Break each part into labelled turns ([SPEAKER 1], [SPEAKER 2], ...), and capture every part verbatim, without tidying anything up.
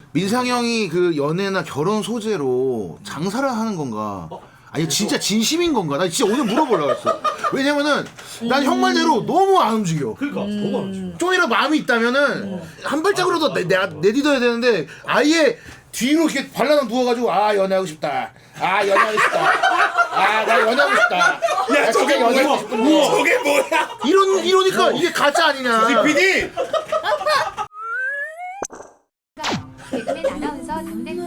[SPEAKER 1] 민상이 형이 그 연애나 결혼 소재로 장사를 하는 건가?
[SPEAKER 2] 어?
[SPEAKER 1] 아니 진짜 진심인 건가? 나 진짜 오늘 물어보려고 했어. 왜냐면은 난 형 말대로 너무 안 움직여.
[SPEAKER 2] 그러니까 너무 안 움직여.
[SPEAKER 1] 좀이라도 마음이 있다면은 한 발짝으로도 내, 내가 내딛어야 되는데 아예 뒤로 이렇게 발라당 누워가지고 아 연애하고 싶다. 아 연애하고 싶다. 아 나 연애하고 싶다.
[SPEAKER 2] 야 저게
[SPEAKER 1] 연애하고
[SPEAKER 2] 뭐야?
[SPEAKER 1] 싶은데.
[SPEAKER 2] 저게 뭐야?
[SPEAKER 1] 이런 이러니까 이게 가짜 아니냐?
[SPEAKER 2] 피디.
[SPEAKER 3] 개그맨 아나운서 담당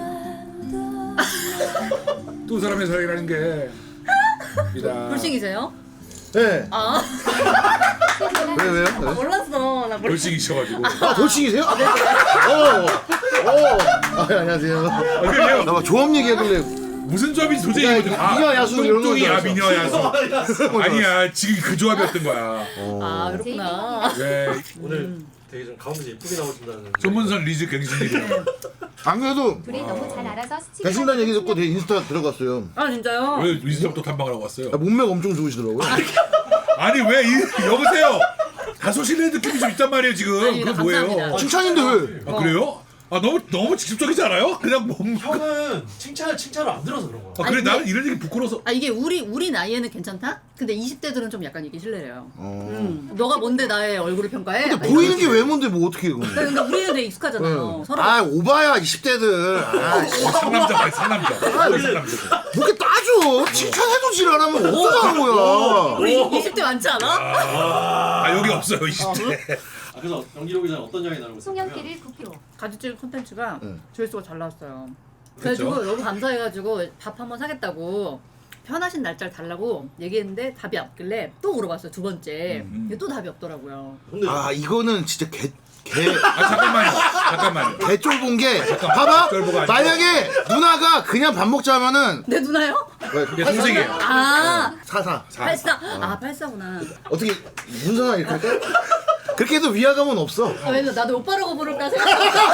[SPEAKER 4] 두 사람의 사랑이라는 게 이다.
[SPEAKER 5] 불싱이세요?
[SPEAKER 1] 네.
[SPEAKER 5] 아
[SPEAKER 1] 왜 왜요? 왜?
[SPEAKER 5] 몰랐어. 나 몰랐어.
[SPEAKER 4] 돌싱이셔가지고.
[SPEAKER 1] 아 돌싱이세요? 어. 어. 아, 안녕하세요.
[SPEAKER 4] 그래요?
[SPEAKER 1] 나 막 조합 얘기하길래
[SPEAKER 4] 무슨 조합이 도저히
[SPEAKER 1] 야,
[SPEAKER 4] 이거든. 아,
[SPEAKER 1] 미녀 야수 이런 거
[SPEAKER 4] 뚱뚱이 야
[SPEAKER 1] 줄
[SPEAKER 4] 미녀 야수. 아니야 지금 그 조합이었던 거야.
[SPEAKER 5] 아 그렇구나.
[SPEAKER 4] 네.
[SPEAKER 2] 오늘 되게 좀 가운데서 예쁘게 나오신다는.
[SPEAKER 4] 전문선 리즈 갱신이래요.
[SPEAKER 1] 안 그래도
[SPEAKER 3] 둘이 너무 잘 알아서 스치고
[SPEAKER 1] 배신단 얘기 듣고 내 인스타 들어갔어요.
[SPEAKER 5] 아 진짜요?
[SPEAKER 4] 왜 리즈부터 탐방을 하고 왔어요?
[SPEAKER 1] 아, 몸매가 엄청 좋으시더라고요.
[SPEAKER 4] 아니 왜 이, 여보세요? 다소실내 느낌이 좀 있단 말이에요 지금.
[SPEAKER 5] 아니,
[SPEAKER 4] 그거
[SPEAKER 5] 나
[SPEAKER 4] 뭐예요?
[SPEAKER 5] 감사합니다.
[SPEAKER 1] 칭찬인데 왜?
[SPEAKER 4] 아 그래요? 아 너무 너무 직접적이지 않아요? 그냥 몸.
[SPEAKER 2] 형은 칭찬을 칭찬을 안 들어서 그런 거야.
[SPEAKER 4] 아 그래
[SPEAKER 5] 아니,
[SPEAKER 4] 나는 이런 얘기 부끄러워서.
[SPEAKER 5] 아 이게 우리 우리 나이에는 괜찮다? 근데 이십 대들은 좀 약간 이게 실례래요.
[SPEAKER 1] 어.
[SPEAKER 5] 음. 너가 뭔데 나의 얼굴을 평가해?
[SPEAKER 1] 근데
[SPEAKER 5] 약간
[SPEAKER 1] 보이는
[SPEAKER 5] 이런
[SPEAKER 1] 게 왜 뭔데 뭐 어떻게 해 그럼?
[SPEAKER 5] 근데 우리는 되게 익숙하잖아요.
[SPEAKER 1] 응.
[SPEAKER 5] 서로.
[SPEAKER 1] 아 오바야 이십 대들. 아, 씨.
[SPEAKER 4] 상남자 봐 상남자. 상남자.
[SPEAKER 1] 뭐 이렇게 따져? 칭찬해도 지랄하면 어쩌자는 거야?
[SPEAKER 5] 우리 이십 대 많지 않아?
[SPEAKER 4] 아 여기 없어요 이십 대.
[SPEAKER 2] 아, 그래서 연기를 오기 전에 어떤 이야기 나누고 있었냐면
[SPEAKER 3] 송영길을 구 킬로그램
[SPEAKER 5] 가지질 콘텐츠가
[SPEAKER 1] 응.
[SPEAKER 5] 조회수가 잘 나왔어요.
[SPEAKER 4] 그랬죠?
[SPEAKER 5] 그래가지고 너무 감사해가지고 밥 한번 사겠다고 편하신 날짜를 달라고 얘기했는데 답이 없길래 또 물어봤어요 두 번째.
[SPEAKER 4] 음.
[SPEAKER 5] 근데 또 답이 없더라고요.
[SPEAKER 2] 근데
[SPEAKER 1] 아 이거는 진짜 개. 개,
[SPEAKER 4] 아 잠깐만요. 잠깐만요.
[SPEAKER 1] 개 쫄본 게 봐봐
[SPEAKER 4] 쫄보가 아니고.
[SPEAKER 1] 만약에 누나가 그냥 밥 먹자 하면은
[SPEAKER 5] 내 누나요?
[SPEAKER 4] 이게 동생이에요.
[SPEAKER 5] 아
[SPEAKER 1] 사사
[SPEAKER 5] 팔사. 아 팔사구나.
[SPEAKER 1] 어떻게 문선아 이렇게 할까? 그렇게 해도 위화감은 없어.
[SPEAKER 5] 아, 왜냐면 나도 오빠라고 부를까 생각.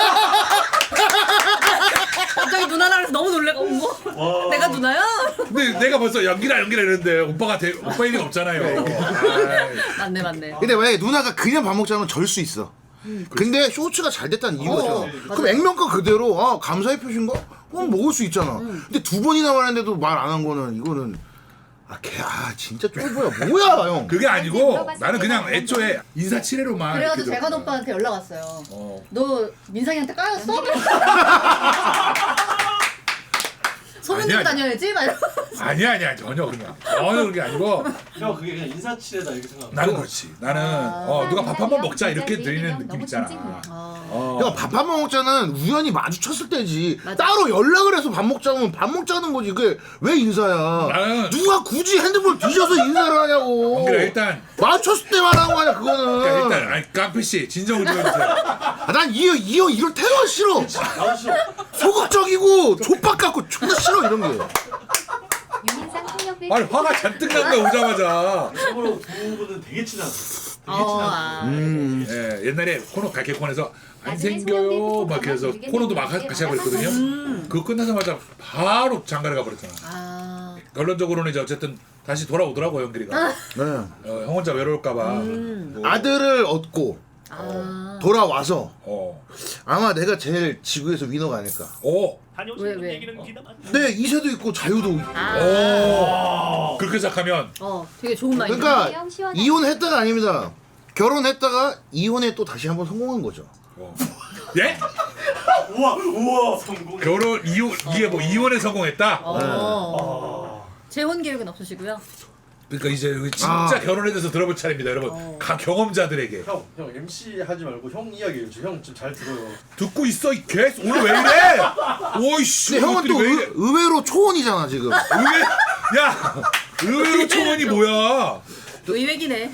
[SPEAKER 5] 갑자기 누나라 해서 너무 놀래고 뭐? 내가 누나야?
[SPEAKER 4] 근데 내가 벌써 연기라 연기라 이랬는데 오빠가 대, 오빠일 리가 없잖아요. 아이.
[SPEAKER 5] 맞네 맞네.
[SPEAKER 1] 근데 만약에 누나가 그냥 밥 먹자 하면 절 수 있어. 근데 쇼츠가 잘 됐다는 이유죠.
[SPEAKER 5] 어,
[SPEAKER 1] 그럼 액면가 그대로 아 감사의 표시인가? 그럼 먹을 수 있잖아. 근데 두 번이나 말했는데도 말 안 한 거는 이거는 아 걔 아 진짜 쫄보야 뭐야 형.
[SPEAKER 4] 그게 아니고 나는 그냥 애초에 인사치레로만.
[SPEAKER 5] 그래가지고
[SPEAKER 4] 이렇게
[SPEAKER 5] 재관
[SPEAKER 4] 들었어요.
[SPEAKER 5] 오빠한테 연락 왔어요.
[SPEAKER 4] 어.
[SPEAKER 5] 너 민상이한테 까였어? 소문
[SPEAKER 4] 아니야,
[SPEAKER 5] 듣고
[SPEAKER 4] 아니야.
[SPEAKER 5] 다녀야지? 막 이러면서.
[SPEAKER 4] 아니야 아니야 전혀 그냥 전혀 그런 게 아니고
[SPEAKER 2] 형 그게 그냥 인사치레다 이렇게 생각.
[SPEAKER 4] 나는 그렇지. 나는 어 누가 밥 한 번 먹자 이렇게 드리는 느낌 있잖아. 어.
[SPEAKER 1] 형 밥 한 번 먹자는 우연히 마주쳤을 때지.
[SPEAKER 5] 맞아.
[SPEAKER 1] 따로 연락을 해서 밥 먹자면 밥 먹자는 거지. 그게 왜 인사야?
[SPEAKER 4] 나는-
[SPEAKER 1] 누가 굳이 핸드폰 뒤져서 인사를 하냐고.
[SPEAKER 4] 그래 일단
[SPEAKER 1] 마주쳤을 때 말하는 거 아니야 그거는.
[SPEAKER 4] 그러니까 일단 아니 깡패 씨 진정을 좀 해주세요.
[SPEAKER 1] 아, 난 이 형 이 형 이런 테러 싫어.
[SPEAKER 2] 나도 싫어.
[SPEAKER 1] 소극적이고 족박 같고 존나 싫어 이런 게.
[SPEAKER 3] 유민상 폭력배
[SPEAKER 4] 아니 화가 잔뜩 난 거야 오자마자.
[SPEAKER 2] 참고로 두 분은 되게 친하고. 되게
[SPEAKER 5] 어,
[SPEAKER 2] 친하고.
[SPEAKER 5] 아.
[SPEAKER 1] 음.
[SPEAKER 4] 예, 옛날에 코너 갈게콘에서 안
[SPEAKER 3] 나중에
[SPEAKER 4] 생겨요
[SPEAKER 3] 소년들
[SPEAKER 4] 막 그래서
[SPEAKER 3] 모르겠는데
[SPEAKER 4] 코너도 막 하- 같이 하고 있거든요.
[SPEAKER 5] 음.
[SPEAKER 4] 그거 끝나자마자 바로 장가를 가버렸잖아.
[SPEAKER 5] 아.
[SPEAKER 4] 결론적으로는 이제 어쨌든 다시 돌아오더라고 연길이가.
[SPEAKER 1] 네.
[SPEAKER 4] 어, 형 혼자 외로울까봐.
[SPEAKER 5] 음.
[SPEAKER 4] 뭐,
[SPEAKER 1] 아들을 얻고
[SPEAKER 5] 아.
[SPEAKER 1] 돌아와서
[SPEAKER 4] 어,
[SPEAKER 1] 아마 내가 제일 지구에서 위너가 아닐까.
[SPEAKER 4] 오,
[SPEAKER 5] 왜 왜?
[SPEAKER 1] 네 이세도 있고 자유도 있고.
[SPEAKER 5] 아.
[SPEAKER 4] 오, 그렇게 생각하면
[SPEAKER 5] 어, 되게 좋은 마인드.
[SPEAKER 1] 그러니까 이혼했다가 아닙니다. 결혼했다가 이혼에 또 다시 한번 성공한 거죠.
[SPEAKER 4] 어. 예?
[SPEAKER 2] 우와 우와 성공.
[SPEAKER 4] 결혼 이혼 이게 뭐 이혼에 성공했다.
[SPEAKER 5] 어. 재혼 계획은 없으시고요.
[SPEAKER 4] 그러니까 이제 여기 진짜
[SPEAKER 1] 아.
[SPEAKER 4] 결혼에 대해서 들어볼 차례입니다, 여러분.
[SPEAKER 5] 어.
[SPEAKER 4] 가 경험자들에게
[SPEAKER 2] 형, 형 엠씨 하지 말고 형 이야기 해줘. 형 좀 잘 들어요.
[SPEAKER 4] 듣고 있어 이 개. 오늘 왜 이래? 오이씨.
[SPEAKER 1] 근데 형은 또
[SPEAKER 4] 왜 이래?
[SPEAKER 1] 의, 의외로 초혼이잖아 지금.
[SPEAKER 4] 의외 야 의외로 초원이 뭐야?
[SPEAKER 5] 의외기네.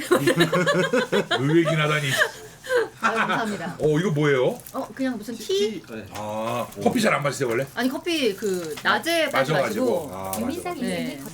[SPEAKER 4] 의외긴 하다니.
[SPEAKER 5] 아, 감사합니다.
[SPEAKER 4] 어 이거 뭐예요?
[SPEAKER 5] 어, 그냥 무슨 티?
[SPEAKER 2] 네.
[SPEAKER 4] 아 커피 잘 안 마시세요 원래?
[SPEAKER 5] 아니 커피 그 낮에 빨리
[SPEAKER 4] 마셔가지고.
[SPEAKER 5] 마시고.
[SPEAKER 4] 아 맞아.
[SPEAKER 3] 유민상
[SPEAKER 5] 네.
[SPEAKER 3] 인생이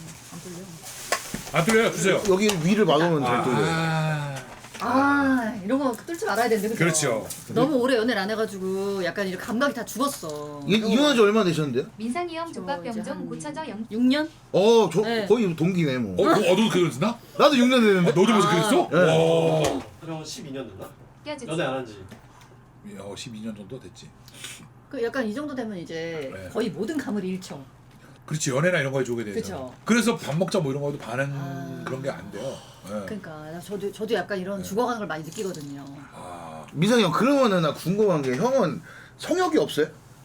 [SPEAKER 4] 안 뚫려요 주세요.
[SPEAKER 1] 여기 위를 막으면 잘 뚫려.
[SPEAKER 4] 아
[SPEAKER 5] 아 이런 거 뚫지 말아야 되는데 그죠?
[SPEAKER 4] 그렇죠.
[SPEAKER 5] 너무 오래 연애를 안 해가지고 약간 이렇게 감각이 다 죽었어.
[SPEAKER 1] 이, 이혼한 지 얼마나 되셨는데요?
[SPEAKER 3] 민상이 형 족밥병
[SPEAKER 5] 이제
[SPEAKER 3] 좀
[SPEAKER 5] 한
[SPEAKER 3] 고쳐져 영
[SPEAKER 5] 육 년?
[SPEAKER 1] 어, 저
[SPEAKER 5] 네.
[SPEAKER 1] 거의 동기네 뭐.
[SPEAKER 4] 어, 너, 어 너도 그랬나?
[SPEAKER 1] 나도 육 년
[SPEAKER 4] 아,
[SPEAKER 1] 됐는데.
[SPEAKER 4] 너도 벌써
[SPEAKER 5] 아.
[SPEAKER 4] 그랬어?
[SPEAKER 1] 네.
[SPEAKER 4] 와.
[SPEAKER 2] 형은 십이 년 됐나?
[SPEAKER 3] 껴주지.
[SPEAKER 2] 연애 안 한지.
[SPEAKER 4] 어, 십이 년 정도 됐지.
[SPEAKER 5] 그 약간 이 정도 되면 이제
[SPEAKER 4] 네.
[SPEAKER 5] 거의 모든 감을 잃죠.
[SPEAKER 4] 그렇지 연애나 이런 거에 주게 되죠.
[SPEAKER 5] 그쵸.
[SPEAKER 4] 그래서 밥 먹자 뭐 이런 거도 반은
[SPEAKER 5] 아.
[SPEAKER 4] 그런 게 안 돼요. 네.
[SPEAKER 5] 그러니까 저도 저도 약간 이런
[SPEAKER 4] 네.
[SPEAKER 5] 죽어가는 걸 많이 느끼거든요.
[SPEAKER 4] 아,
[SPEAKER 1] 민상이 형 그러면은 나 궁금한 게 형은 성욕이 없어요?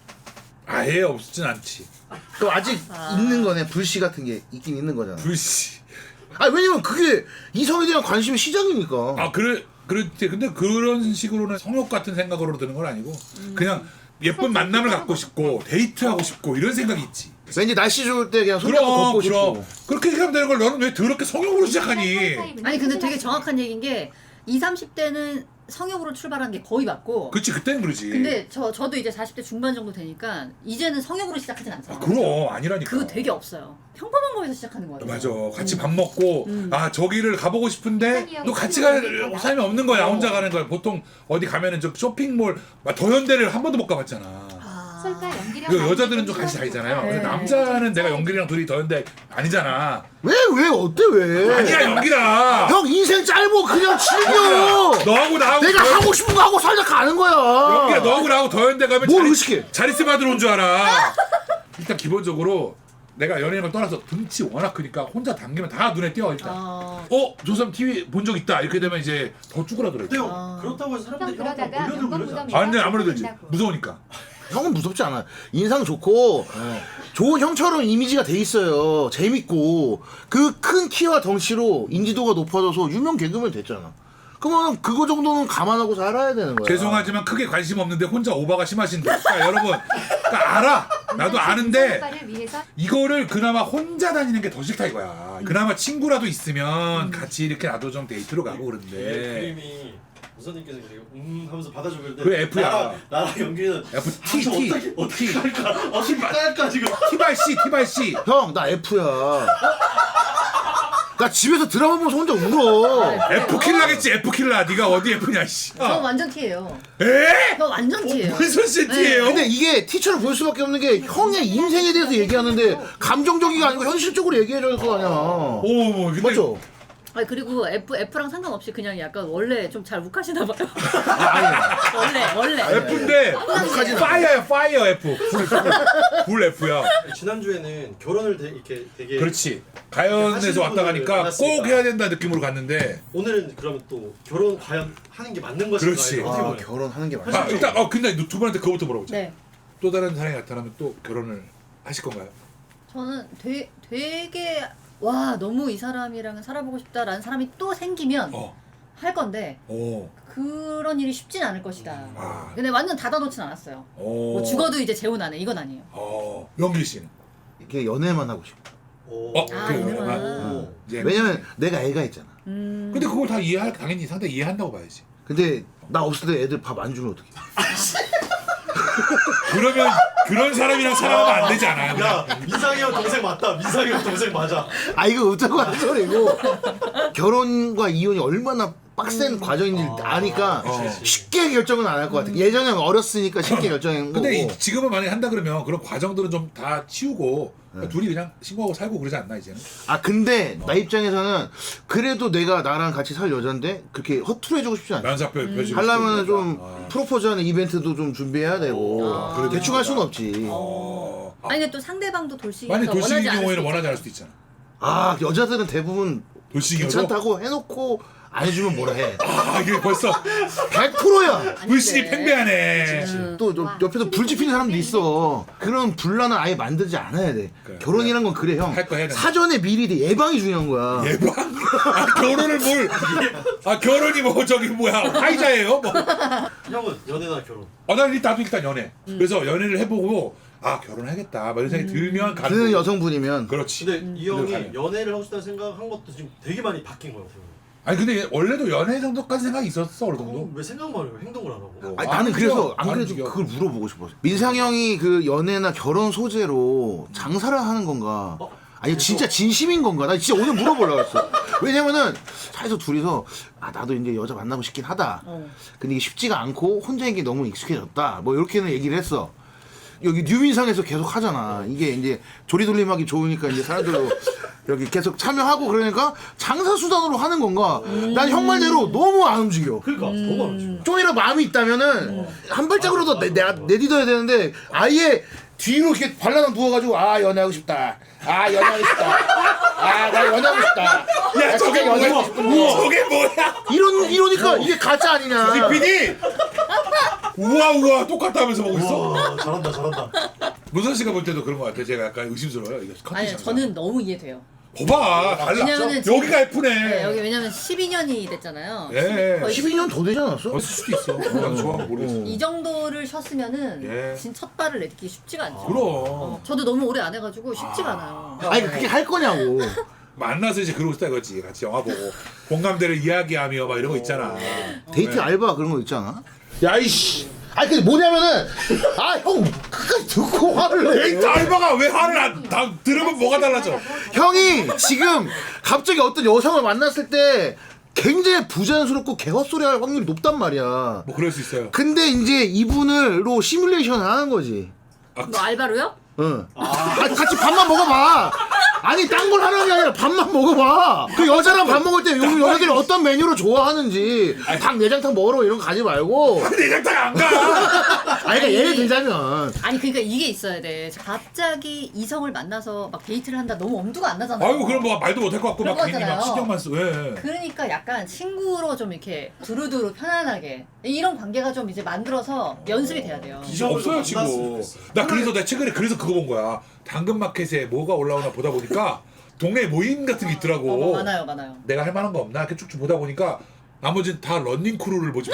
[SPEAKER 4] 아예 없진 않지.
[SPEAKER 1] 그럼 아직
[SPEAKER 5] 아.
[SPEAKER 1] 있는 거네. 불씨 같은 게 있긴 있는 거잖아.
[SPEAKER 4] 불씨.
[SPEAKER 1] 아 왜냐면 그게 이성에 대한 관심의 시작이니까.
[SPEAKER 4] 아 그래 그렇지. 근데 그런 식으로는 성욕 같은 생각으로 드는 건 아니고 그냥 예쁜 만남을 갖고 싶고 데이트하고 싶고 이런 생각이 있지.
[SPEAKER 1] 왠지 날씨 좋을 때 그냥 손잡고
[SPEAKER 4] 그럼
[SPEAKER 1] 걷고
[SPEAKER 4] 그럼
[SPEAKER 1] 싶고.
[SPEAKER 4] 그렇게 생각하면 되는 걸 너는 왜 더럽게 성욕으로 시작하니?
[SPEAKER 5] 아니 근데 되게 정확한 얘기인 게 이십, 삼십 대는 성욕으로 출발하는 게 거의 맞고
[SPEAKER 4] 그렇지 그때는 그러지.
[SPEAKER 5] 근데 저 저도 이제 사십 대 중반 정도 되니까 이제는 성욕으로 시작하진 않잖아요.
[SPEAKER 4] 아, 그럼 아니라니까.
[SPEAKER 5] 그거 되게 없어요. 평범한 거에서 시작하는 거예요.
[SPEAKER 4] 맞아. 같이 밥 먹고
[SPEAKER 5] 음.
[SPEAKER 4] 아 저기를 가보고 싶은데 또 같이 갈 삶이 없는 거야. 혼자 가는 거야. 보통 어디 가면은 저 쇼핑몰 막 더현대를 한 번도 못 가봤잖아.
[SPEAKER 5] 아.
[SPEAKER 3] 솔과 연기력
[SPEAKER 4] 그 여자들은 좀 같이 다니잖아요. 근데
[SPEAKER 5] 네.
[SPEAKER 4] 남자는 내가 연기랑 둘이 더현대 아니잖아.
[SPEAKER 1] 왜 왜 어때 왜?
[SPEAKER 4] 아니야 연기라.
[SPEAKER 1] 형 인생 짧고 그냥 즐겨.
[SPEAKER 4] 너하고 나하고
[SPEAKER 1] 내가
[SPEAKER 4] 더현-
[SPEAKER 1] 하고 싶은 거 하고 살다 가는 거야.
[SPEAKER 4] 연기라 너하고 나하고 더현대 가면
[SPEAKER 1] 뭘
[SPEAKER 4] 자리-
[SPEAKER 1] 의식해?
[SPEAKER 4] 자리세 받으러 온 줄 알아. 일단 기본적으로 내가 연예인을 떠나서 등치 워낙 크니까 혼자 당기면 다 눈에 띄어 일단.
[SPEAKER 5] 아.
[SPEAKER 4] 어? 저 사람 티비 본 적 있다. 이렇게 되면 이제 더 쭈그라들어.
[SPEAKER 2] 근데
[SPEAKER 5] 아.
[SPEAKER 2] 그렇다고 해서
[SPEAKER 3] 형
[SPEAKER 2] 사람들이 형한테
[SPEAKER 3] 그러다가
[SPEAKER 2] 몰려들고
[SPEAKER 3] 연건
[SPEAKER 2] 그러지 않아.
[SPEAKER 3] 무덤에
[SPEAKER 4] 아 근데 아무래도 이제
[SPEAKER 3] 된다고.
[SPEAKER 4] 무서우니까.
[SPEAKER 1] 형은 무섭지 않아. 인상 좋고 좋은 형처럼 이미지가 돼 있어요. 재밌고 그 큰 키와 덩치로 인지도가 높아져서 유명 개그맨 됐잖아. 그러면 그거 정도는 감안하고 살아야 되는 거야.
[SPEAKER 4] 죄송하지만 크게 관심 없는데 혼자 오바가 심하신데. 그러니까 여러분, 그러니까 알아. 나도 아는데
[SPEAKER 3] 오빠를 위해서
[SPEAKER 4] 이거를 그나마 혼자 다니는 게 더 싫다 이거야. 그나마 친구라도 있으면 같이 이렇게 나도 좀 데이트로 가고
[SPEAKER 2] 이게
[SPEAKER 4] 그런데.
[SPEAKER 2] 그림이 무선님께서 그리고 음 하면서 받아주고 있는데
[SPEAKER 4] 그게 F야.
[SPEAKER 2] 나랑, 나랑 연기는
[SPEAKER 4] F
[SPEAKER 2] 아,
[SPEAKER 4] T
[SPEAKER 2] 저
[SPEAKER 4] T
[SPEAKER 2] 어떻게 어떻게 할까 어떻게 할까 지금
[SPEAKER 4] 티발씨 티발씨.
[SPEAKER 1] 형, 나 F야. 나 집에서 드라마 보면서 혼자 울어.
[SPEAKER 4] F 킬라겠지 F 킬라. 네가 어디 F냐 씨.
[SPEAKER 5] 저 완전 T예요.
[SPEAKER 4] 에?
[SPEAKER 5] 저 완전 T예요.
[SPEAKER 4] 무슨 T예요?
[SPEAKER 1] 근데 이게 티처럼 볼 수밖에 없는 게 형의 인생에 대해서 얘기하는데 감정적이가 아니고 현실적으로 얘기해줘야 될 거 아니야.
[SPEAKER 4] 오, 근데
[SPEAKER 1] 맞죠?
[SPEAKER 5] 아니 그리고 F F랑 상관없이 그냥 약간 원래 좀 잘 욱하시나 봐요.
[SPEAKER 1] 아니,
[SPEAKER 5] 원래 원래.
[SPEAKER 4] F인데
[SPEAKER 1] 욱하진
[SPEAKER 4] 파이어야 파이어 F. 불, 불, 불 F야.
[SPEAKER 2] 지난주에는 결혼을 되, 이렇게 되게
[SPEAKER 4] 그렇지. 가연에서 왔다 가니까
[SPEAKER 2] 만났으니까.
[SPEAKER 4] 꼭 해야 된다 느낌으로 갔는데.
[SPEAKER 2] 오늘은 그러면 또 결혼 과연 하는 게 맞는 것인가
[SPEAKER 4] 그렇지.
[SPEAKER 2] 이거 어떻게
[SPEAKER 1] 아,
[SPEAKER 2] 보나요?
[SPEAKER 1] 결혼하는 게
[SPEAKER 4] 아,
[SPEAKER 1] 맞아.
[SPEAKER 4] 일단 어 근데 두 분한테 그거부터 물어보자.
[SPEAKER 5] 네.
[SPEAKER 4] 또 다른 사람이 나타나면 또 결혼을 하실 건가요?
[SPEAKER 5] 저는 되, 되게 와 너무 이 사람이랑 살아보고 싶다라는 사람이 또 생기면
[SPEAKER 4] 어.
[SPEAKER 5] 할 건데
[SPEAKER 4] 오.
[SPEAKER 5] 그런 일이 쉽진 않을 것이다.
[SPEAKER 4] 아.
[SPEAKER 5] 근데 완전 닫아놓진 않았어요.
[SPEAKER 4] 오.
[SPEAKER 5] 뭐 죽어도 이제 재혼 안 해. 이건 아니에요.
[SPEAKER 4] 어. 영길 씨는.
[SPEAKER 1] 이렇게 연애만 하고 싶어.
[SPEAKER 2] 오.
[SPEAKER 4] 어,
[SPEAKER 5] 아,
[SPEAKER 4] 그래요.
[SPEAKER 5] 연애만.
[SPEAKER 4] 아, 이제
[SPEAKER 1] 왜냐면 내가 애가 있잖아.
[SPEAKER 5] 음.
[SPEAKER 4] 근데 그걸 다 이해할 당연히 상대 이해한다고 봐야지.
[SPEAKER 1] 근데 나 없을 때 애들 밥 안 주면 어떡해.
[SPEAKER 4] 그러면 그런 사람이랑 살아가면 안 되지 않아요?
[SPEAKER 2] 야 민상이 형 동생 맞다 민상이 형 동생 맞아
[SPEAKER 1] 아 이거 어쩌고 하는 소리고 결혼과 이혼이 얼마나 빡센 과정인지 아니까
[SPEAKER 4] 어.
[SPEAKER 1] 쉽게 결정은 안 할 것 같아. 예전에 어렸으니까 쉽게 결정한 거고.
[SPEAKER 4] 근데 이, 지금은 만약에 한다 그러면 그런 과정들은 좀 다 치우고 그러니까 둘이 그냥 신고하고 살고 그러지 않나 이제는?
[SPEAKER 1] 아 근데 나 입장에서는 그래도 내가 나랑 같이 살 여잔데 그렇게 허투루해주고 싶지 않아.
[SPEAKER 4] 면사표 펴주고
[SPEAKER 1] 하려면 좀
[SPEAKER 4] 아.
[SPEAKER 1] 프로포즈하는 이벤트도 좀 준비해야 되고
[SPEAKER 5] 아.
[SPEAKER 1] 그래도 대충 할 수는 없지.
[SPEAKER 4] 어. 아,
[SPEAKER 5] 아니 근데 또 상대방도 돌싱이라서
[SPEAKER 4] 만약 돌싱인
[SPEAKER 5] 원하지 않을
[SPEAKER 4] 경우에는
[SPEAKER 5] 수도
[SPEAKER 4] 원하지 않을
[SPEAKER 5] 있잖아요.
[SPEAKER 4] 수도 있잖아.
[SPEAKER 1] 아 여자들은 대부분
[SPEAKER 4] 돌싱이로?
[SPEAKER 1] 괜찮다고 해놓고 안 해주면 뭐라 해.
[SPEAKER 4] 아 이게 벌써
[SPEAKER 1] 백 퍼센트야.
[SPEAKER 4] 불신이
[SPEAKER 5] 아닌데.
[SPEAKER 4] 팽배하네.
[SPEAKER 5] 음.
[SPEAKER 1] 또 저- 옆에서 불 지피는 사람도 있어. 그런 분란을 아예 만들지 않아야 돼.
[SPEAKER 4] 그래.
[SPEAKER 1] 결혼이란 건 그래 형.
[SPEAKER 4] 할거 해야 된다.
[SPEAKER 1] 사전에 미리 돼. 예방이 중요한 거야.
[SPEAKER 4] 예방? 아 결혼을 뭘? 아 결혼이 뭐 저기 뭐야 화이자예요? 뭐?
[SPEAKER 2] 형은 연애나 결혼
[SPEAKER 4] 아, 난 나도 일단 연애. 그래서 연애를 해보고 아 결혼하겠다. 막 이런 생각이 들면 가는
[SPEAKER 1] 그
[SPEAKER 4] 거고.
[SPEAKER 1] 여성분이면
[SPEAKER 4] 그렇지.
[SPEAKER 2] 근데 이 형이
[SPEAKER 4] 가면.
[SPEAKER 2] 연애를 하고 싶다는 생각한 것도 지금 되게 많이 바뀐 거예요 어떻게 보면.
[SPEAKER 4] 아니 근데 원래도 연애 정도까지 생각이 있었어 어느 정도.
[SPEAKER 2] 그럼 왜 생각만 해요 행동을 안 하고
[SPEAKER 4] 어.
[SPEAKER 1] 아니,
[SPEAKER 4] 안
[SPEAKER 1] 나는
[SPEAKER 4] 움직여.
[SPEAKER 1] 그래서 안
[SPEAKER 4] 안
[SPEAKER 1] 그래도
[SPEAKER 4] 움직여.
[SPEAKER 1] 그걸 물어보고 싶었어. 민상 형이 그 연애나 결혼 소재로 장사를 하는 건가?
[SPEAKER 2] 어?
[SPEAKER 1] 아니 진짜 진심인 건가? 나 진짜 오늘 물어보려고 했어. 왜냐면은 사이에서 둘이서 아 나도 이제 여자 만나고 싶긴 하다.
[SPEAKER 5] 어.
[SPEAKER 1] 근데 이게 쉽지가 않고 혼자인 게 너무 익숙해졌다. 뭐 이렇게는 얘기를 했어. 여기 뉴민상에서 계속 하잖아. 이게 이제 조리돌림하기 좋으니까 이제 사람들로 이렇게 계속 참여하고 그러니까 장사 수단으로 하는 건가? 난 형 말대로 너무 안 움직여.
[SPEAKER 2] 그러니까 너무 안 좋아.
[SPEAKER 1] 좀이라도 마음이 있다면은 한 발짝으로도 내, 내가 내딛어야 되는데 아예 뒤로 이렇게 발라당 누워가지고 아 연애하고 싶다. 아 연애하고 싶다. 아 나 연애하고 싶다.
[SPEAKER 4] 야 저게
[SPEAKER 1] 연애하고
[SPEAKER 4] 뭐야?
[SPEAKER 1] 싶은데
[SPEAKER 4] 저게 뭐야?
[SPEAKER 1] 이런 이러니까 이게 가짜 아니냐?
[SPEAKER 4] 피디 우와 우와 똑같다면서 보고 있어?
[SPEAKER 2] 와 잘한다 잘한다.
[SPEAKER 4] 문선 씨가 볼 때도 그런 것 같아요. 제가 약간 의심스러워요. 이거 컨텐츠
[SPEAKER 5] 아니
[SPEAKER 4] 장사.
[SPEAKER 5] 저는 너무 이해돼요.
[SPEAKER 4] 봐봐 달라.
[SPEAKER 5] 왜냐면은 지금-
[SPEAKER 4] 여기가 F네.
[SPEAKER 5] 네, 여기 왜냐면 십이 년이 됐잖아요.
[SPEAKER 4] 예.
[SPEAKER 5] 거의
[SPEAKER 1] 십이 년 더 되지 않았어?
[SPEAKER 4] 없을 수도 있어. 난 좋아 모르겠어.
[SPEAKER 5] 이 정도를 쉬었으면은
[SPEAKER 4] 예.
[SPEAKER 5] 진 첫 발을 내딛기 쉽지가 않죠.
[SPEAKER 4] 그럼
[SPEAKER 5] 어, 저도 너무 오래 안 해가지고 쉽지가 않아요.
[SPEAKER 1] 아니 그게 할 거냐고.
[SPEAKER 4] 만나서 이제 그러고 싶다 이거지. 같이 영화 보고 공감대를 이야기하며 막 이런 거 있잖아.
[SPEAKER 1] 데이트 알바 그런 거 있잖아. 야이씨. 아니 근데 뭐냐면은 아 형 끝까지 듣고 화를 내.
[SPEAKER 4] 데이트 알바가 왜 화를 안 다 들으면 뭐가 달라져?
[SPEAKER 1] 형이 지금 갑자기 어떤 여성을 만났을 때 굉장히 부자연스럽고 개헛소리할 확률이 높단 말이야.
[SPEAKER 4] 뭐 그럴 수 있어요.
[SPEAKER 1] 근데 이제 이분을로 시뮬레이션을 하는 거지.
[SPEAKER 5] 너 알바로요?
[SPEAKER 1] 응. 아, 같이 밥만 먹어봐. 아니 딴 걸 하는 게 아니라 밥만 먹어봐. 그 여자랑 밥 먹을 때 요즘 여자들이 어떤 메뉴를 좋아하는지 닭 내장탕 먹으러 이런 거 가지 말고.
[SPEAKER 4] 내장탕 안 가.
[SPEAKER 1] 아니 그러니까 예를 들자면
[SPEAKER 5] 아니 그러니까 이게 있어야 돼. 갑자기 이성을 만나서 막 데이트를 한다 너무 엄두가 안 나잖아요.
[SPEAKER 4] 아유 그럼 뭐 말도 못할 것 같고 막
[SPEAKER 5] 그런
[SPEAKER 4] 괜히 막
[SPEAKER 5] 거잖아요.
[SPEAKER 4] 신경만 쓰고. 예.
[SPEAKER 5] 그러니까 약간 친구로 좀 이렇게 두루두루 편안하게 이런 관계가 좀 이제 만들어서 연습이 돼야 돼요.
[SPEAKER 4] 이제 없어요 지금. 나 그래서 나 최근에 그래서 그거 본 거야. 당근마켓에 뭐가 올라오나 보다 보니까 동네 모임 같은 게 있더라고.
[SPEAKER 5] 어, 많아요, 많아요.
[SPEAKER 4] 내가 할 만한 거 없나 이렇게 쭉쭉 보다 보니까 나머지는 다 런닝 크루를 보지.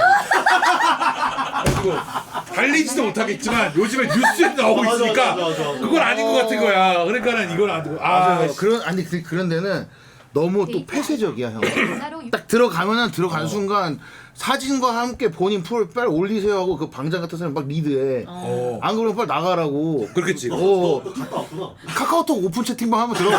[SPEAKER 4] 그리고 달리지도 못하겠지만 요즘에 뉴스에 나오고
[SPEAKER 2] 맞아,
[SPEAKER 4] 있으니까
[SPEAKER 2] 맞아, 맞아, 맞아.
[SPEAKER 4] 그건 아닌 것 같은 거야. 그러니까는 이건 안 되고. 아,
[SPEAKER 1] 맞아요. 그런 아니 그, 그런 데는 너무 또 폐쇄적이야 형.
[SPEAKER 3] 따로
[SPEAKER 1] 딱 들어가면은 들어간 순간 사진과 함께 본인 풀 빨리 올리세요 하고 그 방장 같은 사람 막 리드해.
[SPEAKER 4] 어.
[SPEAKER 1] 안 그러면 빨리 나가라고.
[SPEAKER 4] 그렇겠지.
[SPEAKER 1] 어.
[SPEAKER 2] 너 갔다 왔구나.
[SPEAKER 1] 카카오톡 오픈 채팅방 한번 들어가.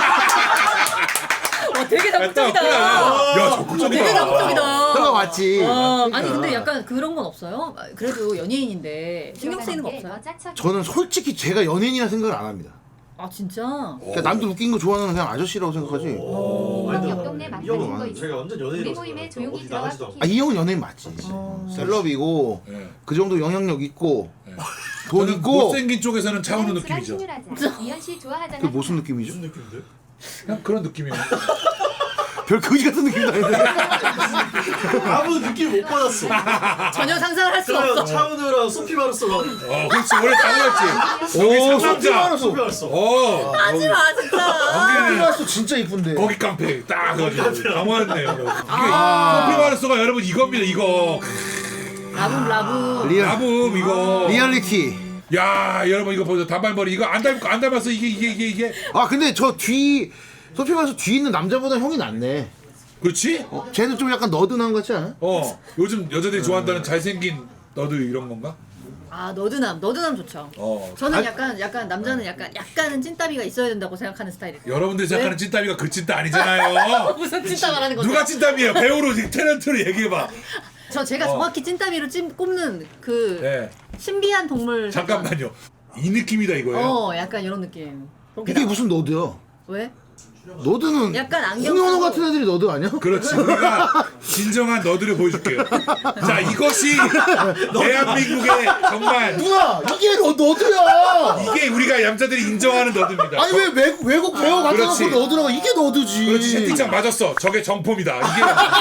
[SPEAKER 5] 어, 되게 적극적이다.
[SPEAKER 4] 야,
[SPEAKER 5] 어,
[SPEAKER 4] 적극적이다.
[SPEAKER 5] 되게 적극적이다.
[SPEAKER 1] 들어가 봤지.
[SPEAKER 5] 어, 아니
[SPEAKER 1] 그러니까.
[SPEAKER 5] 근데 약간 그런 건 없어요? 그래도 연예인인데 신경 쓰이는 거 없어요?
[SPEAKER 1] 저는 솔직히 제가 연예인이라 생각을 안 합니다.
[SPEAKER 5] 아 진짜?
[SPEAKER 1] 그러니까 남들 웃긴 거 좋아하는 그냥 아저씨라고 생각하지.
[SPEAKER 2] 어, 아니,
[SPEAKER 3] 옆 동네
[SPEAKER 2] 이
[SPEAKER 3] 막
[SPEAKER 2] 형은
[SPEAKER 3] 가진 거 있어.
[SPEAKER 2] 제가 완전
[SPEAKER 3] 우리
[SPEAKER 2] 연예인이라고
[SPEAKER 3] 모임에
[SPEAKER 2] 생각해요.
[SPEAKER 3] 조용히
[SPEAKER 2] 어디
[SPEAKER 3] 들어가
[SPEAKER 2] 나가지도 않고.
[SPEAKER 1] 아, 이 형은 연예인 맞지.
[SPEAKER 5] 어.
[SPEAKER 1] 셀럽이고
[SPEAKER 4] 예.
[SPEAKER 1] 그 정도 영향력 있고
[SPEAKER 4] 예.
[SPEAKER 1] 돈
[SPEAKER 4] 저는
[SPEAKER 1] 있고.
[SPEAKER 4] 못생긴 쪽에서는 차은우 느낌이죠.
[SPEAKER 3] 이현 씨 좋아하잖아.
[SPEAKER 1] 그게 무슨 느낌이죠?
[SPEAKER 2] 무슨 느낌인데?
[SPEAKER 4] 그냥 그런 느낌이에요.
[SPEAKER 1] 별 거지 같은 느낌도 아닌데.
[SPEAKER 2] 아무 느낌 못 받았어.
[SPEAKER 5] 전혀 상상을 할 수가
[SPEAKER 2] 그러면
[SPEAKER 5] 없어.
[SPEAKER 2] 차은우랑 소피 마르소가
[SPEAKER 4] 어, 그렇지. 원래 당연했지. 여기
[SPEAKER 1] 오,
[SPEAKER 4] 상남자.
[SPEAKER 2] 소피 마르소.
[SPEAKER 4] 어.
[SPEAKER 5] 하지 마 진짜.
[SPEAKER 4] 거기는
[SPEAKER 1] 피마스 진짜 이쁜데.
[SPEAKER 4] 거기 깡패 딱 그래가지고 당황했네요. 이게 소피 마르소가 여러분 이겁니다. 이거
[SPEAKER 5] 라붐 라붐.
[SPEAKER 1] 리얼
[SPEAKER 4] 라붐 이거.
[SPEAKER 1] 리얼리티.
[SPEAKER 4] 야 여러분 이거 보세요. 단발머리 이거 안 닮 안 닮았어 이게 이게 이게 이게.
[SPEAKER 1] 아 근데 저 뒤 소피마스 뒤에 있는 남자보다 형이 낫네.
[SPEAKER 4] 그렇지?
[SPEAKER 1] 어, 쟤는 좀 약간 너드난 것 같지 않아?
[SPEAKER 4] 어 요즘 여자들이 좋아한다는 잘생긴 너도 이런 건가?
[SPEAKER 5] 아 너드남 너드남 좋죠.
[SPEAKER 4] 어.
[SPEAKER 5] 저는
[SPEAKER 1] 아,
[SPEAKER 5] 약간 약간 남자는 약간 약간은 찐따비가 있어야 된다고 생각하는 스타일이에요.
[SPEAKER 4] 여러분들이 생각하는 찐따비가 그 찐따 아니잖아요.
[SPEAKER 5] 무슨 찐따 말하는 거죠?
[SPEAKER 4] 누가 찐따비예요? 배우로 태렌트로 얘기해봐.
[SPEAKER 5] 저 제가
[SPEAKER 4] 어.
[SPEAKER 5] 정확히 찐따비로 찜 꼽는 그
[SPEAKER 4] 네.
[SPEAKER 5] 신비한 동물.
[SPEAKER 4] 잠깐만요. 이 느낌이다 이거예요.
[SPEAKER 5] 어 약간 이런 느낌. 그렇게
[SPEAKER 1] 이게
[SPEAKER 5] 나-
[SPEAKER 1] 무슨 너드야?
[SPEAKER 5] 왜?
[SPEAKER 1] 너드는
[SPEAKER 5] 약간 안경
[SPEAKER 1] 홍현호
[SPEAKER 5] 쓰고-
[SPEAKER 1] 같은 애들이 너드 아니야?
[SPEAKER 4] 그렇지. 우리가 진정한 너드를 보여줄게요. 자, 이것이 대한민국의 정말
[SPEAKER 1] 누나 이게 너, 너드야.
[SPEAKER 4] 이게 우리가 얌자들이 인정하는 너드입니다.
[SPEAKER 1] 아니 왜 외국, 외국 배우 갖다
[SPEAKER 4] 그렇지.
[SPEAKER 1] 놓고 너드라고 이게 너드지.
[SPEAKER 4] 그렇지. 채팅창 맞았어. 저게 정품이다. 이게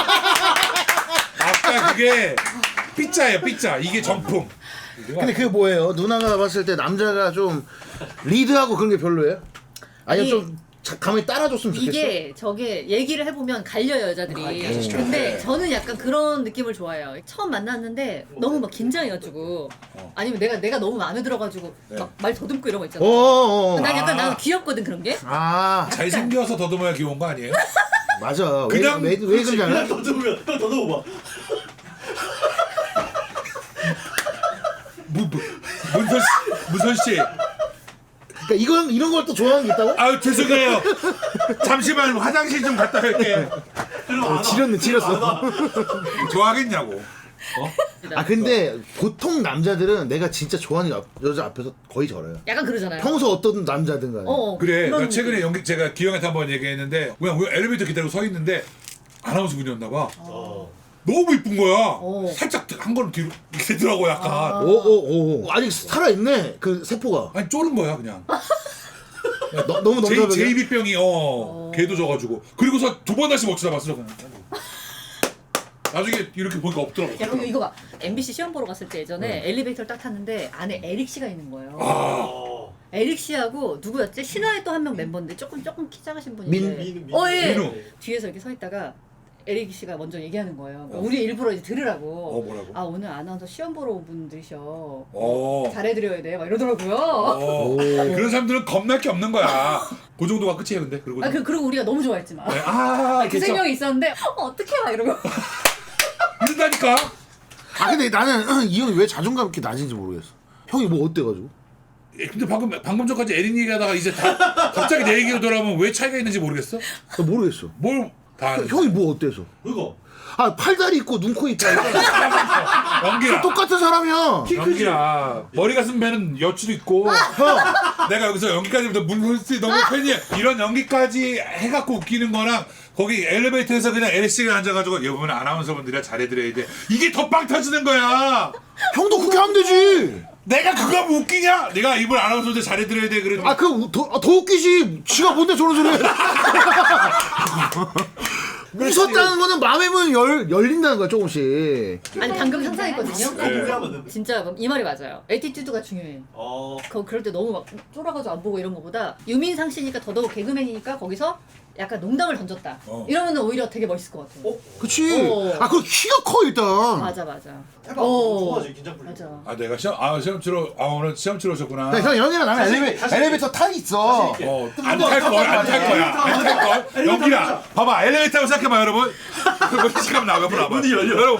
[SPEAKER 4] 아까 그게 삐짜예요. 삐짜. 이게 정품.
[SPEAKER 1] 근데 그게 뭐예요? 누나가 봤을 때 남자가 좀 리드하고 그런 게 별로예요? 아니면
[SPEAKER 5] 아니,
[SPEAKER 1] 좀 자- 가만히 따라줬으면 좋겠어?
[SPEAKER 5] 이게 저게 얘기를 해보면 갈려요 여자들이. 근데 저는 약간 그런 느낌을 좋아해요. 처음 만났는데 너무 막 긴장해가지고 아니면 내가 내가 너무 마음에 들어가지고 막 말 더듬고 이런 거 있잖아.
[SPEAKER 1] 어어어.
[SPEAKER 5] 난 약간 나는 귀엽거든 그런 게.
[SPEAKER 1] 아
[SPEAKER 4] 잘생겨서 더듬어야 귀여운 거 아니에요?
[SPEAKER 1] 맞아.
[SPEAKER 4] 그냥-
[SPEAKER 1] 왜, 왜, 왜 그런지 알아?
[SPEAKER 2] 그냥 더듬으면 그냥 더듬어봐.
[SPEAKER 4] 무, 무, 문선 씨, 문선 씨.
[SPEAKER 1] 그러니까 이건 이런 걸 또 좋아하는 게 있다고?
[SPEAKER 4] 아유 죄송해요. 잠시만 화장실 좀 갔다 올게.
[SPEAKER 2] 그럼 안 와.
[SPEAKER 1] 지렸네 지렸어.
[SPEAKER 4] 좋아하겠냐고.
[SPEAKER 1] 아 근데 보통 남자들은 내가 진짜 좋아하는 여, 여자 앞에서 거의 저래요.
[SPEAKER 5] 약간 그러잖아요.
[SPEAKER 1] 평소 어떤 남자든 간에.
[SPEAKER 5] 어, 어,
[SPEAKER 4] 그래.
[SPEAKER 5] 그런
[SPEAKER 4] 나 최근에
[SPEAKER 5] 느낌.
[SPEAKER 4] 연기 제가 기영한테 한번 얘기했는데 그냥 우리 엘리베이터 기다리고 서 있는데 아나운서 분이었나 봐.
[SPEAKER 2] 어.
[SPEAKER 4] 너무 이쁜 거야.
[SPEAKER 5] 어.
[SPEAKER 4] 살짝 한 걸음 뒤로 이렇게 되더라고 약간.
[SPEAKER 5] 아.
[SPEAKER 1] 오오오 아직 살아있네 그 세포가.
[SPEAKER 4] 아니 쫄은 거야 그냥.
[SPEAKER 1] 너, 너무
[SPEAKER 4] 제,
[SPEAKER 1] 넘겨버려.
[SPEAKER 4] 제이비병이 어 개도 져가지고 그리고서 두 번 다시 못 쳐다봤어 그냥. 나중에 이렇게 보니까 없더라고.
[SPEAKER 5] 야, 그리고 이거 봐. 엠비씨 시험 보러 갔을 때 예전에 엘리베이터를 딱 탔는데 안에 에릭 씨가 있는 거예요.
[SPEAKER 4] 아
[SPEAKER 2] 어.
[SPEAKER 5] 에릭 씨하고 누구였지? 신화의 또 한 명 멤버인데 조금 조금 키 작으신 분인데.
[SPEAKER 1] 민-
[SPEAKER 2] 민- 민-
[SPEAKER 5] 어, 예.
[SPEAKER 4] 민우.
[SPEAKER 5] 뒤에서 이렇게 서 있다가 에릭 씨가 먼저 얘기하는 거예요. 그러니까 우리 일부러 이제 들으라고.
[SPEAKER 4] 어, 뭐라고?
[SPEAKER 5] 아 오늘 아나운서 시험 보러 온 분들이셔.
[SPEAKER 4] 어.
[SPEAKER 5] 잘해드려야 돼. 막 이러더라고요.
[SPEAKER 4] 어.
[SPEAKER 1] 오.
[SPEAKER 4] 그런 사람들은 겁날 게 없는 거야. 그 정도가 끝이에요 근데 그리고.
[SPEAKER 5] 아 그, 그리고 우리가 너무 좋아했지만.
[SPEAKER 4] 네, 아
[SPEAKER 5] 그 세
[SPEAKER 4] 괜찮아.
[SPEAKER 5] 명이 있었는데 어, 어떡해 막 이러고.
[SPEAKER 4] 이런다니까.
[SPEAKER 1] 아 근데 나는 이 형이 왜 자존감 이렇게 낮은지 모르겠어. 형이 뭐 어때가지고?
[SPEAKER 4] 예, 근데 방금 방금 전까지 에린 얘기하다가 이제 다 갑자기 내 얘기로 돌아오면 왜 차이가 있는지 모르겠어?
[SPEAKER 1] 나 모르겠어.
[SPEAKER 4] 뭘 다
[SPEAKER 1] 형이 뭐 어때서?
[SPEAKER 2] 그거.
[SPEAKER 1] 아 팔다리 있고 눈코 있다.
[SPEAKER 4] 연기야.
[SPEAKER 1] 똑같은 사람이야.
[SPEAKER 4] 연기야. 머리가 쓴 배는 여치도 있고.
[SPEAKER 1] 형.
[SPEAKER 4] 내가 여기서 연기까지부터 물론스 너무 팬이야. 이런 연기까지 해갖고 웃기는 거랑 거기 엘리베이터에서 그냥 엘씨가 앉아가지고 이번에 아나운서분들이야 잘해드려야 돼. 이게 더 빵 터지는 거야.
[SPEAKER 1] 형도 그렇게 하면 되지.
[SPEAKER 4] 내가 그거 하면 웃기냐? 내가 이번 아나운서들 잘해드려야 돼. 그래.
[SPEAKER 1] 아 그 더 더 웃기지. 지가 뭔데 저런 소리 해. 웃었다는 거는 마음의 문이 열 열린다는 거야 조금씩.
[SPEAKER 5] 아니 방금 상상했거든요.
[SPEAKER 2] 그거 무리하면
[SPEAKER 5] 진짜 이 말이 맞아요. 에티튜드가 중요해.
[SPEAKER 2] 어.
[SPEAKER 5] 거 그럴 때 너무 막 쫄아가지고 안 보고 이런 거보다 유민상 씨니까 더더욱 개그맨이니까 거기서 약간 농담을 던졌다.
[SPEAKER 4] 어.
[SPEAKER 5] 이러면은 오히려 되게 멋있을 것 같아요.
[SPEAKER 2] 어?
[SPEAKER 1] 그치.
[SPEAKER 5] 어.
[SPEAKER 1] 아 그리고 키가 커 일단.
[SPEAKER 5] 맞아 맞아.
[SPEAKER 2] 해봐.
[SPEAKER 5] 어.
[SPEAKER 2] 좋아하지 긴장 풀리고.
[SPEAKER 5] 맞아.
[SPEAKER 4] 아 내가 시험 아 시험 치러 아 오늘 시험 치러 오셨구나.
[SPEAKER 1] 야, 형 형이랑 나는
[SPEAKER 2] 자신
[SPEAKER 1] 엘리베,
[SPEAKER 2] 있게, 자신
[SPEAKER 1] 엘리베이터 타 있어.
[SPEAKER 2] 자신 있게.
[SPEAKER 4] 어, 안 탈 거야, 안 탈 거야, 안 탈 걸. 연기라, 봐봐, 엘리베이터로 생각해봐, 여러분. 그 시간 나와, 옆으로 와봐.
[SPEAKER 2] 문이 열려.
[SPEAKER 4] 여러분.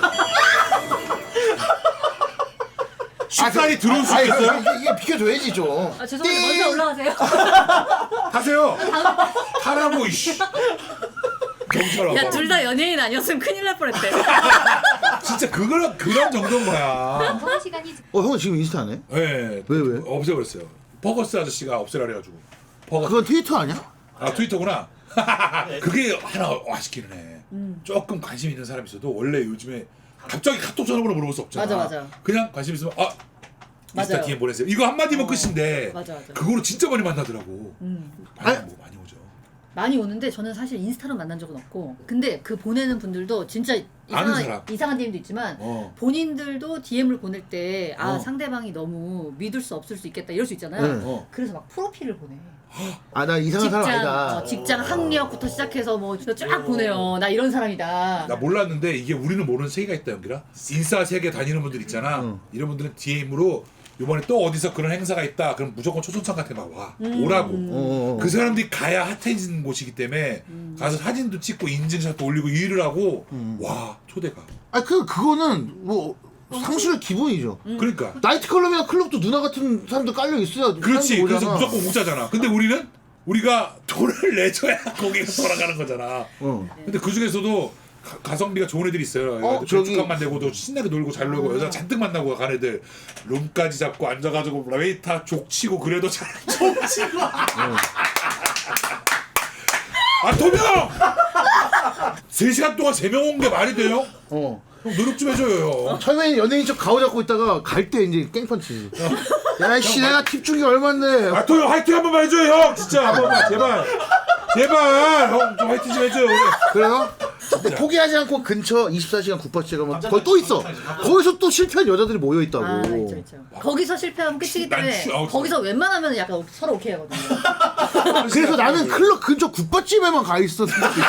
[SPEAKER 4] 쉽사리 들어올 수
[SPEAKER 1] 아니,
[SPEAKER 4] 있겠어요?
[SPEAKER 1] 이게, 이게 비켜줘야지 좀.
[SPEAKER 5] 아 죄송한데 먼저 올라가세요.
[SPEAKER 4] 타세요. 타라고, 이씨. 경찰 와봐.
[SPEAKER 5] 야 둘 다 연예인 아니었으면 큰일 날 뻔했대.
[SPEAKER 4] 진짜 그걸, 그런 정도인 거야.
[SPEAKER 3] 방송 시간이
[SPEAKER 1] 어 형은 지금 인스타 안 해?
[SPEAKER 4] 예.
[SPEAKER 1] 왜, 왜?
[SPEAKER 4] 없애버렸어요. 버거스 아저씨가 없애라 그래가지고. 버거스.
[SPEAKER 1] 그건 트위터 아니야?
[SPEAKER 4] 아, 트위터구나. 그게 하나 아쉽기는 해. 조금 관심 있는 사람이 있어도 원래 요즘에 갑자기 카톡 전화번호 물어볼 수 없잖아.
[SPEAKER 5] 맞아, 맞아.
[SPEAKER 4] 그냥 관심 있으면 아 인스타
[SPEAKER 5] 맞아요.
[SPEAKER 4] 디엠 보내세요. 이거 한마디면
[SPEAKER 5] 어.
[SPEAKER 4] 끝인데
[SPEAKER 5] 맞아, 맞아.
[SPEAKER 4] 그거로 진짜 많이 만나더라고.
[SPEAKER 5] 음.
[SPEAKER 4] 많이,
[SPEAKER 1] 아니,
[SPEAKER 4] 뭐 많이 오죠.
[SPEAKER 5] 많이 오는데 저는 사실 인스타로 만난 적은 없고 근데 그 보내는 분들도 진짜
[SPEAKER 4] 아는
[SPEAKER 5] 이상한,
[SPEAKER 4] 사람.
[SPEAKER 5] 이상한 디엠도 있지만
[SPEAKER 4] 어.
[SPEAKER 5] 본인들도 디엠을 보낼 때 아
[SPEAKER 4] 어.
[SPEAKER 5] 상대방이 너무 믿을 수 없을 수 있겠다 이럴 수 있잖아요.
[SPEAKER 1] 응.
[SPEAKER 4] 어.
[SPEAKER 5] 그래서 막 프로필을 보내.
[SPEAKER 1] 아 나 이상한 사람
[SPEAKER 5] 직장,
[SPEAKER 1] 아니다.
[SPEAKER 5] 어, 직장 학력부터 시작해서 뭐 쫙 보내요. 나 이런 사람이다.
[SPEAKER 4] 나 몰랐는데 이게 우리는 모르는 세계가 있다 연기라. 인싸 세계 다니는 분들 있잖아.
[SPEAKER 1] 응.
[SPEAKER 4] 이런 분들은 디엠으로 이번에 또 어디서 그런 행사가 있다. 그럼 무조건 초청장 같은 막 와. 오라고.
[SPEAKER 1] 어, 어, 어.
[SPEAKER 4] 그 사람들이 가야 핫해진 곳이기 때문에 가서 사진도 찍고 인증샷도 올리고 일을 하고 와 초대가.
[SPEAKER 1] 아 그 그거는 뭐 상술의 기본이죠.
[SPEAKER 4] 그러니까
[SPEAKER 1] 나이트 클럽이나 클럽도 누나 같은 사람들 깔려 있어야.
[SPEAKER 4] 그렇지.
[SPEAKER 1] 사람들
[SPEAKER 4] 그래서
[SPEAKER 1] 오잖아.
[SPEAKER 4] 무조건 공짜잖아. 근데 우리는 우리가 돈을 내줘야 거기서 돌아가는 거잖아.
[SPEAKER 1] 어.
[SPEAKER 4] 근데 그 중에서도 가- 가성비가 좋은 애들이 있어요.
[SPEAKER 1] 어, 저기-
[SPEAKER 4] 저축값만 내고도 신나게 놀고 잘 놀고 여자 잔뜩 만나고 간 애들 룸까지 잡고 앉아가지고 웨이터 족치고 그래도 잘 족치고. 아 도명! 세 시간 동안 세 명 온 게 말이 돼요?
[SPEAKER 1] 어.
[SPEAKER 4] 형 노력 좀 해줘요. 형.
[SPEAKER 1] 처음에는 연예인 척 가오 잡고 있다가 갈 때 이제 깽펀치지. 야씨 내가 팁 준 게 얼만데.
[SPEAKER 4] 아 도영 화이팅 한 번만 해줘요 형. 진짜 한 번만 제발. 제발 형 좀 화이팅 좀 해줘요.
[SPEAKER 1] 그래요? 근데 포기하지 않고 근처 이십사 시간 국밥집 가면 거기 또 있어. 거기서 또 실패한 여자들이 모여 있다고.
[SPEAKER 5] 아, 있죠, 있죠. 거기서 실패하면 끝이기
[SPEAKER 4] 난
[SPEAKER 5] 때문에
[SPEAKER 4] 추- 아우,
[SPEAKER 5] 거기서 웬만하면 약간 서로 오케이 하거든요.
[SPEAKER 1] 그래서 나는 클럽 근처 국밥집에만 가 있었던 적도 있어.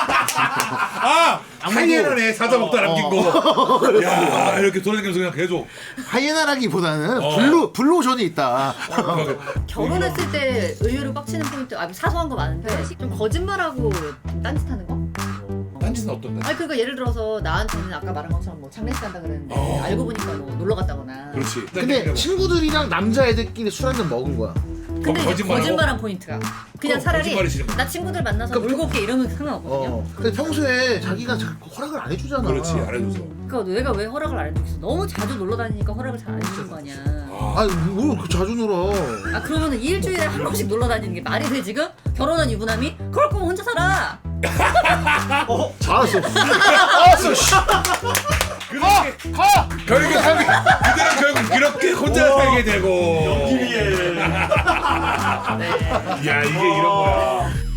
[SPEAKER 4] 아 하이에나네 사자 먹다 남긴
[SPEAKER 1] 어.
[SPEAKER 4] 거. 야 이렇게 돌아다니면서 그냥 계속.
[SPEAKER 1] 하이에나라기보다는
[SPEAKER 4] 어.
[SPEAKER 1] 블루 블루오션이 있다.
[SPEAKER 5] 결혼했을 때 의외로 빡치는 포인트, 아 사소한 거 많은데 좀 거짓말하고 딴짓하는 거?
[SPEAKER 4] 딴짓은 어떤데?
[SPEAKER 5] 아니 그러니까 예를 들어서 나한테는 아까 말한 것처럼 뭐 장례식 간다 그랬는데
[SPEAKER 4] 어.
[SPEAKER 5] 알고 보니까 뭐 놀러 갔다거나.
[SPEAKER 4] 그렇지.
[SPEAKER 1] 근데 친구들이랑 남자애들끼리 술 한잔 먹은 거야.
[SPEAKER 5] 근데 이제
[SPEAKER 4] 거짓말하고?
[SPEAKER 5] 거짓말한 포인트가 그냥
[SPEAKER 4] 어,
[SPEAKER 5] 차라리
[SPEAKER 4] 거짓말이 싫은 거야.
[SPEAKER 5] 나 친구들 만나서 놀고 올게 이러면 상관없거든요.
[SPEAKER 1] 어. 근데 평소에 자기가 자꾸 허락을 안 해주잖아.
[SPEAKER 4] 그렇지 알아줘서.
[SPEAKER 5] 그러니까 내가 왜 허락을 안 해주겠어? 너무 자주 놀러 다니니까 허락을 잘 안 해주는 거 아니야.
[SPEAKER 4] 아,
[SPEAKER 1] 아니 뭘그 자주 놀아.
[SPEAKER 5] 아 그러면은 일주일에 한 번씩 놀러 다니는 게 말이 돼 지금? 결혼한 유부남이? 그럴 거면 혼자 살아.
[SPEAKER 1] 알았어. 알았어. 씨.
[SPEAKER 4] 그렇게
[SPEAKER 1] 가.
[SPEAKER 4] 결국 살게 그들은 결국 그렇게 혼자 살게 되고.
[SPEAKER 2] 연기위에
[SPEAKER 4] 야 이게 이런 거야.